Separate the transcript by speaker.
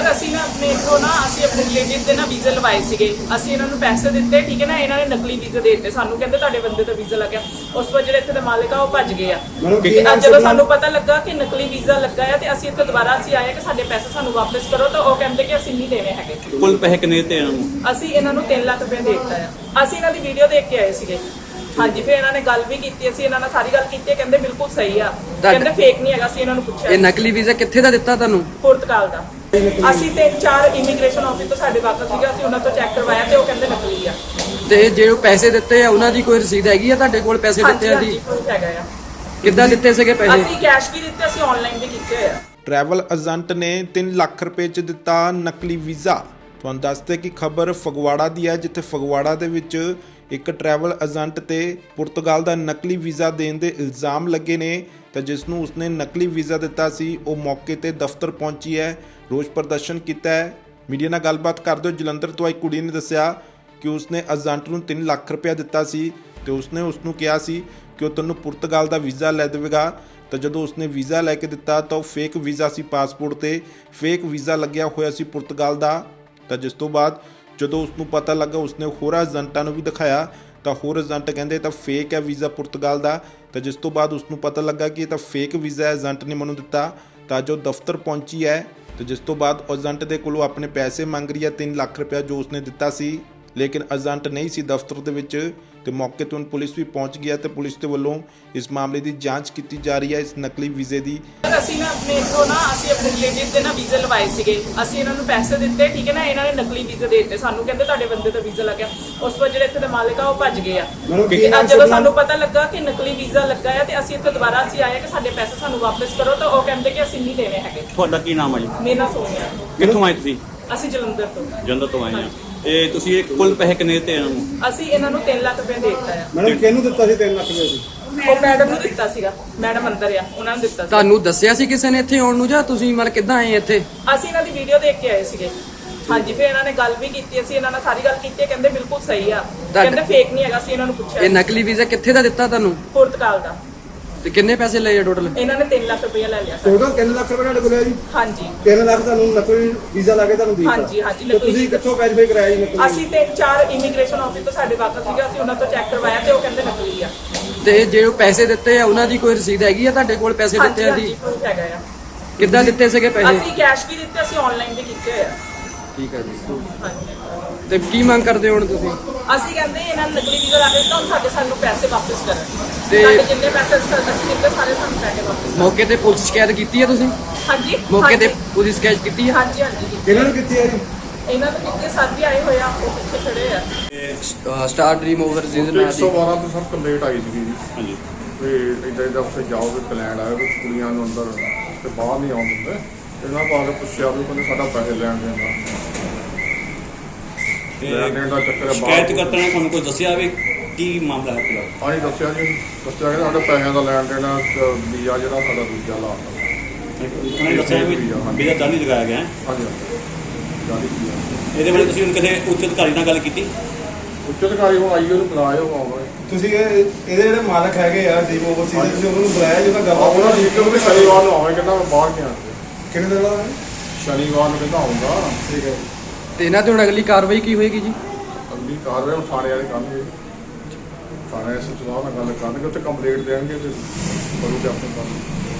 Speaker 1: Sir ਅਸੀਂ ਨਾ ਆਪਣੇ ਇਥੋਂ ਨਾ ਅਸੀਂ ਆਪਣੇ ਰਿਲੇਟਿਵ ਦੇ ਨਾ ਵੀਜ਼ਾ ਲਵਾਏ ਸੀਗੇ। ਅਸੀਂ ਇਹਨਾਂ ਨੂੰ ਪੈਸੇ ਦਿੱਤੇ, ਠੀਕ ਹੈ ਨਾ, ਇਹਨਾਂ ਨੇ ਨਕਲੀ ਵੀਜ਼ਾ ਦੇ ਦਿੱਤੇ ਸਾਨੂੰ, ਕਹਿੰਦੇ ਤੁਹਾਡੇ ਬੰਦੇ ਦਾ ਵੀਜ਼ਾ ਲੱਗਿਆ। ਉਸ ਤੋਂ ਜਿਹੜੇ ਇੱਥੇ ਦੇ ਮਾਲਕ ਆ ਉਹ ਭੱਜ ਗਏ ਆ। ਅੱਜ ਜਦੋਂ ਸਾਨੂੰ ਪਤਾ ਲੱਗਾ ਕਿ ਨਕਲੀ ਵੀਜ਼ਾ ਲੱਗਾ ਆ ਤੇ ਅਸੀਂ ਇੱਥੇ ਦੁਬਾਰਾ ਆਏ ਕਿ ਸਾਡੇ ਪੈਸੇ ਸਾਨੂੰ ਵਾਪਸ ਕਰੋ, ਤਾਂ ਉਹ ਕਹਿੰਦੇ ਕਿ ਅਸੀਂ ਨਹੀਂ ਦੇਣੇ ਹੈਗੇ।
Speaker 2: ਕੁੱਲ ਪੈਸੇ ਕਿੰਨੇ ਦਿੱਤੇ ਇਹਨਾਂ ਨੂੰ?
Speaker 1: ਅਸੀਂ ਇਹਨਾਂ ਨੂੰ 3 ਲੱਖ ਰੁਪਏ ਦੇ ਦਿੱਤਾ ਆ। ਅਸੀਂ ਇਹਨਾਂ ਦੀ ਵੀਡੀਓ ਦੇਖ ਕੇ ਆਏ ਸੀਗੇ। ਹਾਂਜੀ, ਫਿਰ ਇਹਨਾਂ ਨੇ ਗੱਲ ਵੀ ਕੀਤੀ, ਅਸੀਂ ਇਹਨਾਂ ਨਾਲ ਸਾਰੀ ਗੱਲ ਕੀਤੀ, ਕਹਿੰਦੇ ਬਿਲਕੁਲ ਸਹੀ ਆ, ਕਹਿੰਦੇ ਫੇਕ ਨਹੀਂ ਹੈਗਾ। ਅਸੀਂ ਇਹਨਾਂ ਨੂੰ ਪੁੱਛਿਆ
Speaker 3: ਇਹ ਨਕਲੀ ਵੀਜ਼ਾ ਕਿੱਥੇ ਦਾ ਦਿੱਤਾ ਤੁਹਾਨੂੰ?
Speaker 1: ਪੁਰਤਗਾਲ ਦਾ। ਅਸੀਂ 3-4 ਇਮੀਗ੍ਰੇਸ਼ਨ ਆਫਿਸ ਤੋਂ ਸਾਡੇ ਵਾਕਫ ਸੀਗਾ, ਅਸੀਂ ਉਹਨਾਂ ਤੋਂ ਚੈੱਕ ਕਰਵਾਇਆ ਤੇ ਉਹ ਕਹਿੰਦੇ ਨਕਲੀ ਆ।
Speaker 3: ਤੇ ਜਿਹੜੇ ਪੈਸੇ ਦਿੱਤੇ ਆ ਉਹਨਾਂ ਦੀ ਕੋਈ ਰਸੀਦ ਹੈਗੀ ਆ ਤੁਹਾਡੇ ਕੋਲ? ਪੈਸੇ ਦਿੱਤੇ ਆ ਦੀ
Speaker 1: ਹੈਗਾ ਆ।
Speaker 3: ਕਿੱਦਾਂ ਦਿੱਤੇ ਸੀਗੇ ਪੈਸੇ?
Speaker 1: ਅਸੀਂ ਕੈਸ਼ ਵੀ ਦਿੱਤੇ, ਅਸੀਂ ਆਨਲਾਈਨ ਵੀ ਕੀਤੇ ਹੋਏ ਆ।
Speaker 4: ट्रैवल एजेंट ने 3 ਲੱਖ ਰੁਪਏ 'ਚ ਦਿੱਤਾ ਨਕਲੀ ਵੀਜ਼ਾ। ਤੁਹਾਨੂੰ ਦੱਸਦੇ ਕਿ ਖਬਰ ਫਗਵਾੜਾ ਦੀ ਹੈ, ਜਿੱਥੇ ਫਗਵਾੜਾ ਦੇ ਵਿੱਚ ਇੱਕ ਟਰੈਵਲ ਏਜੰਟ ਤੇ ਪੁਰਤਗਾਲ ਦਾ ਨਕਲੀ ਵੀਜ਼ਾ ਦੇਣ ਦੇ ਇਲਜ਼ਾਮ ਲੱਗੇ ਨੇ। ਤਾਂ ਜਿਸ ਨੂੰ ਉਸਨੇ ਨਕਲੀ ਵੀਜ਼ਾ ਦਿੱਤਾ ਸੀ ਉਹ ਮੌਕੇ ਤੇ ਦਫ਼ਤਰ ਪਹੁੰਚੀ ਹੈ, ਰੋਸ ਪ੍ਰਦਰਸ਼ਨ ਕੀਤਾ ਹੈ। ਮੀਡੀਆ ਨਾਲ ਗੱਲਬਾਤ ਕਰਦੇ ਹੋਏ ਜਲੰਧਰ ਤੋਂ ਆਈ ਕੁੜੀ ਨੇ ਦੱਸਿਆ ਕਿ ਉਸਨੇ ਏਜੰਟ ਨੂੰ 3 ਲੱਖ ਰੁਪਇਆ ਦਿੱਤਾ ਸੀ ਤੇ ਉਸਨੇ ਉਸਨੂੰ ਕਿਹਾ ਸੀ ਕਿ ਉਹ ਤੈਨੂੰ ਪੁਰਤਗਾਲ ਦਾ ਵੀਜ਼ਾ ਲੈ ਦੇਵੇਗਾ। ਤਾਂ ਜਦੋਂ ਉਸਨੇ ਵੀਜ਼ਾ ਲੈ ਕੇ ਦਿੱਤਾ ਤਾਂ ਉਹ ਫੇਕ ਵੀਜ਼ਾ ਸੀ, ਪਾਸਪੋਰਟ ਤੇ ਫੇਕ ਵੀਜ਼ਾ ਲੱਗਿਆ ਹੋਇਆ ਸੀ ਪੁਰਤਗਾਲ ਦਾ। ਤਾਂ ਜਿਸ ਤੋਂ ਬਾਅਦ ਜਦੋਂ ਉਸਨੂੰ ਪਤਾ ਲੱਗਾ ਉਸਨੇ ਹੋਰਾਂ ਏਜੰਟਾਂ ਨੂੰ ਵੀ ਦਿਖਾਇਆ ਤਾਂ ਹੋਰ ਏਜੰਟ ਕਹਿੰਦੇ ਤਾਂ ਫੇਕ ਹੈ ਵੀਜ਼ਾ ਪੁਰਤਗਾਲ ਦਾ। ਤਾਂ ਜਿਸ ਤੋਂ ਬਾਅਦ ਉਸਨੂੰ ਪਤਾ ਲੱਗਾ ਕਿ ਇਹ ਤਾਂ ਫੇਕ ਵੀਜ਼ਾ ਏਜੰਟ ਨੇ ਮੈਨੂੰ ਦਿੱਤਾ। ਤਾਂ ਜੋ ਦਫ਼ਤਰ ਪਹੁੰਚੀ ਹੈ ਤੇ ਜਿਸ ਤੋਂ ਬਾਅਦ ਏਜੰਟ ਦੇ ਕੋਲੋਂ ਆਪਣੇ ਪੈਸੇ ਮੰਗ ਰਹੀ ਹੈ, 3 ਲੱਖ ਰੁਪਇਆ ਜੋ ਉਸਨੇ ਦਿੱਤਾ ਸੀ, ਲੇਕਿਨ ਏਜੰਟ ਨਹੀਂ ਸੀ ਦਫ਼ਤਰ ਦੇ ਵਿੱਚ। ਤੇ ਮੌਕੇ ਤੋਂ ਪੁਲਿਸ ਵੀ ਪਹੁੰਚ ਗਈ ਹੈ ਤੇ ਪੁਲਿਸ ਦੇ ਵੱਲੋਂ ਇਸ ਮਾਮਲੇ ਦੀ ਜਾਂਚ ਕੀਤੀ ਜਾ ਰਹੀ ਹੈ, ਇਸ ਨਕਲੀ ਵੀਜ਼ੇ ਦੀ।
Speaker 1: ਅਸੀਂ ਨਾ ਆਪਣੇ ਇਥੋਂ ਨਾ ਅਸੀਂ ਆਪਣੇ ਰਿਲੇਟਿਵ ਦੇ ਨਾ ਵੀਜ਼ਾ ਲਵਾਏ ਸੀਗੇ। ਅਸੀਂ ਇਹਨਾਂ ਨੂੰ ਪੈਸੇ ਦਿੱਤੇ, ਠੀਕ ਹੈ ਨਾ, ਇਹਨਾਂ ਨੇ ਨਕਲੀ ਵੀਜ਼ਾ ਦੇ ਦਿੱਤੇ ਸਾਨੂੰ, ਕਹਿੰਦੇ ਤੁਹਾਡੇ ਬੰਦੇ ਦਾ ਵੀਜ਼ਾ ਲੱਗਿਆ। ਉਸ ਤੋਂ ਜਿਹੜੇ ਇੱਥੇ ਦੇ ਮਾਲਕ ਆ ਉਹ ਭੱਜ ਗਏ ਆ। ਅੱਜ ਜਦੋਂ ਸਾਨੂੰ ਪਤਾ ਲੱਗਾ ਕਿ ਨਕਲੀ ਵੀਜ਼ਾ ਲੱਗਾ ਆ ਤੇ ਅਸੀਂ ਇੱਥੇ ਦੁਬਾਰਾ ਆਏ ਕਿ ਸਾਡੇ ਪੈਸੇ ਸਾਨੂੰ ਵਾਪਸ ਕਰੋ, ਤਾਂ ਉਹ ਕਹਿੰਦੇ ਕਿ ਅਸੀਂ ਨਹੀਂ ਦੇਣੇ ਹੈਗੇ।
Speaker 2: ਤੁਹਾਡਾ ਕੀ ਨਾਮ ਹੈ ਜੀ?
Speaker 1: ਮੇਰਾ ਨਾਮ ਸੋਨੀਆ।
Speaker 2: ਕਿੱਥੋਂ ਆਏ ਤੁਸੀਂ?
Speaker 1: ਅਸੀਂ ਜਲੰਧਰ ਤੋਂ।
Speaker 2: ਜਲੰਧਰ ਤੋਂ ਆਏ ਆ। ਇਹ ਤੁਸੀਂ ਇਹ ਕੁੱਲ ਪੈਸੇ ਕਿੰਨੇ ਦਿੱਤੇ ਇਹਨਾਂ ਨੂੰ?
Speaker 1: ਅਸੀਂ ਇਹਨਾਂ ਨੂੰ 3 ਲੱਖ ਰੁਪਏ ਦੇ ਦਿੱਤਾ ਆ।
Speaker 5: ਮੈਡਮ ਕਿਹਨੂੰ ਦਿੱਤਾ ਸੀ 3 ਲੱਖ ਰੁਪਏ ਸੀ?
Speaker 1: ਉਹ ਮੈਡਮ ਨੂੰ ਦਿੱਤਾ ਸੀਗਾ, ਮੈਡਮ ਅੰਦਰ ਆ, ਉਹਨਾਂ ਨੂੰ ਦਿੱਤਾ ਸੀ।
Speaker 3: ਤੁਹਾਨੂੰ ਦੱਸਿਆ ਸੀ ਕਿਸੇ ਨੇ ਇੱਥੇ ਆਉਣ ਨੂੰ ਜਾਂ ਤੁਸੀਂ ਮਤਲਬ ਕਿੱਦਾਂ ਆਏ ਇੱਥੇ?
Speaker 1: ਅਸੀਂ ਇਹਨਾਂ ਦੀ ਵੀਡੀਓ ਦੇਖ ਕੇ ਆਏ ਸੀਗੇ। ਹਾਂਜੀ, ਫਿਰ ਇਹਨਾਂ ਨੇ ਗੱਲ ਵੀ ਕੀਤੀ, ਅਸੀਂ ਇਹਨਾਂ ਨਾਲ ਸਾਰੀ ਗੱਲ ਕੀਤੀ, ਕਹਿੰਦੇ ਬਿਲਕੁਲ ਸਹੀ ਆ, ਕਹਿੰਦੇ ਫੇਕ ਨਹੀਂ ਹੈਗਾ। ਅਸੀਂ ਇਹਨਾਂ ਨੂੰ ਪੁੱਛਿਆ
Speaker 3: ਇਹ ਨਕਲੀ ਵੀਜ਼ਾ ਕਿੱਥੇ ਦਾ ਦਿੱਤਾ ਤੁਹਾਨੂੰ?
Speaker 1: ਪੁਰਤਗਾਲ ਦਾ।
Speaker 3: ਤੇ ਕਿੰਨੇ ਪੈਸੇ ਲਏ ਆ ਟੋਟਲ?
Speaker 1: ਇਹਨਾਂ ਨੇ 3 ਲੱਖ ਰੁਪਏ ਲੈ ਲਿਆ।
Speaker 5: ਟੋਟਲ 3 ਲੱਖ ਰੁਪਏ ਤੁਹਾਡੇ ਕੋਲ ਹੈ ਜੀ?
Speaker 1: ਹਾਂਜੀ
Speaker 5: 3 ਲੱਖ ਤੁਹਾਨੂੰ ਨਕਲੀ ਵੀਜ਼ਾ ਲਾ ਕੇ ਤੁਹਾਨੂੰ ਦਿੱਤਾ?
Speaker 1: ਹਾਂਜੀ ਹਾਂਜੀ।
Speaker 5: ਤੇ ਤੁਸੀਂ ਕਿੱਥੋਂ ਵੈਰੀਫਾਈ ਕਰਾਇਆ ਜੀ ਨਕਲੀ?
Speaker 1: ਅਸੀਂ 3-4 ਇਮੀਗ੍ਰੇਸ਼ਨ ਆਫਿਸ ਤੋਂ ਸਾਡੇ ਵਾਕਫ ਸੀਗਾ, ਅਸੀਂ ਉਹਨਾਂ ਤੋਂ ਚੈੱਕ ਕਰਵਾਇਆ ਤੇ ਉਹ ਕਹਿੰਦੇ ਨਕਲੀ ਆ।
Speaker 3: ਤੇ ਜਿਹੜੇ ਪੈਸੇ ਦਿੱਤੇ ਆ ਉਹਨਾਂ ਦੀ ਕੋਈ ਰਸੀਦ ਹੈਗੀ ਆ ਤੁਹਾਡੇ ਕੋਲ? ਪੈਸੇ ਦਿੱਤੇ ਆ ਦੀ
Speaker 1: ਪ੍ਰੂਫ ਹੈਗਾ ਆ।
Speaker 3: ਕਿੱਦਾਂ ਦਿੱਤੇ ਸੀਗੇ ਪੈਸੇ?
Speaker 1: ਅਸੀਂ ਕੈਸ਼ ਵੀ ਦਿੱਤੇ, ਅਸੀਂ ਆਨਲਾਈਨ ਵੀ ਕੀਤੇ ਹੋਏ ਆ।
Speaker 3: ਠੀਕ ਹੈ ਜੀ।
Speaker 1: ਹਾਂਜੀ,
Speaker 3: ਤੇ ਕੀ ਮੰਗ ਕਰਦੇ ਹੋ ਹੁਣ ਤੁਸੀਂ?
Speaker 1: ਅਸੀਂ ਕਹਿੰਦੇ ਇਹਨਾਂ ਨੂੰ ਨਕਲੀ ਵੀਜ਼ਾ ਲਾ ਕੇ ਦਿੱਤਾ, ਹੁਣ ਸਾਨੂੰ ਪੈਸੇ ਵਾਪਸ ਕਰਨ।
Speaker 3: ਤੇ
Speaker 1: ਸਾਡੇ ਜਿੰਨੇ ਪੈਸੇ ਅਸੀਂ ਦਿੱਤੇ ਸਾਰੇ ਸਾਨੂੰ ਪੈਸੇ ਵਾਪਸ।
Speaker 3: ਮੌਕੇ ਤੇ ਪੁਲਿਸ ਸ਼ਿਕਾਇਤ ਕੀਤੀ ਹੈ ਤੁਸੀਂ?
Speaker 1: ਹਾਂਜੀ
Speaker 3: ਮੌਕੇ ਤੇ ਪੁਲਿਸ ਸ਼ਿਕਾਇਤ ਕੀਤੀ ਹੈ?
Speaker 1: ਹਾਂਜੀ ਹਾਂਜੀ।
Speaker 5: ਇਹਨਾਂ ਨੂੰ ਕਿੱਥੇ ਹੈ ਜੀ?
Speaker 1: ਇਹਨਾਂ ਤੋਂ ਕਿੰਨੇ ਸਾਥੀ ਆਏ ਹੋਏ ਆ, ਉਹ ਪਿੱਛੇ ਖੜੇ ਆ।
Speaker 3: ਸਟਾਰ ਡ੍ਰੀਮ ਓਵਰਸੀਜ਼ ਨਾਲ ਦੀ
Speaker 6: 112 ਤੋਂ ਸਰ ਕੰਪਲੇਂਟ ਆਈ ਸੀਗੀ ਜੀ
Speaker 2: ਹਾਂਜੀ।
Speaker 6: ਵੀ ਇੱਦਾਂ ਉੱਥੇ ਜਾਓ ਤੇ ਪਲਾਨ ਆਇਆ ਵੀ ਕੁੜੀਆਂ ਨੂੰ ਅੰਦਰ ਤੇ ਬਾਹਰ ਨਹੀਂ ਆਉਣ ਦਿੰਦੇ। ਇਹਨਾਂ ਬਾਰੇ ਪੁੱਛਿਆ ਵੀ ਕਹਿੰਦੇ ਸਾਡਾ ਪੈਸੇ ਲੈਣ ਦੇਣ ਦਾ ਚੱਕਰ ਹੈ।
Speaker 2: ਸ਼ਿਕਾਇਤ ਕਰਤਾ ਨੇ ਤੁਹਾਨੂੰ ਕੋਈ ਦੱਸਿਆ ਵੀ ਕੀ ਮਾਮਲਾ ਹੈ ਪੂਰਾ?
Speaker 6: ਹਾਂਜੀ ਦੱਸਿਆ ਜੀ, ਦੱਸਿਆ ਕਿ ਸਾਡੇ ਪੈਸਿਆਂ ਦਾ ਲੈਣ ਦੇਣ ਵੀਜ਼ਾ ਜਿਹੜਾ ਸਾਡਾ ਦੂਜਾ ਲਾ
Speaker 2: ਉਹਨਾਂ ਨੇ ਦੱਸਿਆ ਵੀ ਵੀਜ਼ਾ ਜਾਲੀ ਲਗਾਇਆ ਗਿਆ ਹੈ।
Speaker 6: ਹਾਂਜੀ ਜਾਲੀ ਵੀਜ਼ਾ।
Speaker 2: ਇਹਦੇ ਬਾਰੇ ਤੁਸੀਂ ਹੁਣ ਕਿਸੇ ਉੱਚ ਅਧਿਕਾਰੀ ਨਾਲ ਗੱਲ ਕੀਤੀ?
Speaker 6: ਉੱਚ ਅਧਿਕਾਰੀ ਹੁਣ ਆਈਓ ਨੂੰ ਬੁਲਾਇਓ ਆਉਣਾ।
Speaker 5: ਤੁਸੀਂ ਇਹਦੇ ਜਿਹੜੇ ਮਾਲਕ ਹੈਗੇ ਆ ਡੀਮ ਓਵਰਸੀਜ਼, ਤੁਸੀਂ ਉਹਨਾਂ ਨੂੰ ਬੁਲਾਇਆ ਜਿਹਦਾ ਗੱਲ
Speaker 6: ਉਹਨਾਂ ਦੀ ਇੱਕ ਵੀ ਸ਼ਨੀਵਾਰ ਨੂੰ ਆਵੇ, ਕਹਿੰਦਾ ਮੈਂ ਬਾਹਰ ਗਿਆ।
Speaker 5: ਕਿੰਨੇ ਦਿਨ ਦਾ?
Speaker 6: ਸ਼ਨੀਵਾਰ ਨੂੰ ਕਹਿੰਦਾ ਆਉਂਗਾ।
Speaker 5: ਠੀਕ ਹੈ।
Speaker 3: ਤੇ ਇਹਨਾਂ ਤੇ ਹੁਣ ਅਗਲੀ ਕਾਰਵਾਈ ਕੀ ਹੋਏਗੀ ਜੀ?
Speaker 6: ਅਗਲੀ ਕਾਰਵਾਈ ਹੁਣ ਥਾਣੇ ਵਾਲੇ ਕਰਨਗੇ। ਥਾਣੇ ਐਸਐਚਓ ਨਾਲ ਗੱਲ ਕਰਨਗੇ, ਉੱਥੇ ਕੰਪਲੇਂਟ ਦੇਣਗੇ ਤੇ ਕਰੂਗੇ ਆਪਣੇ ਕੰਮ।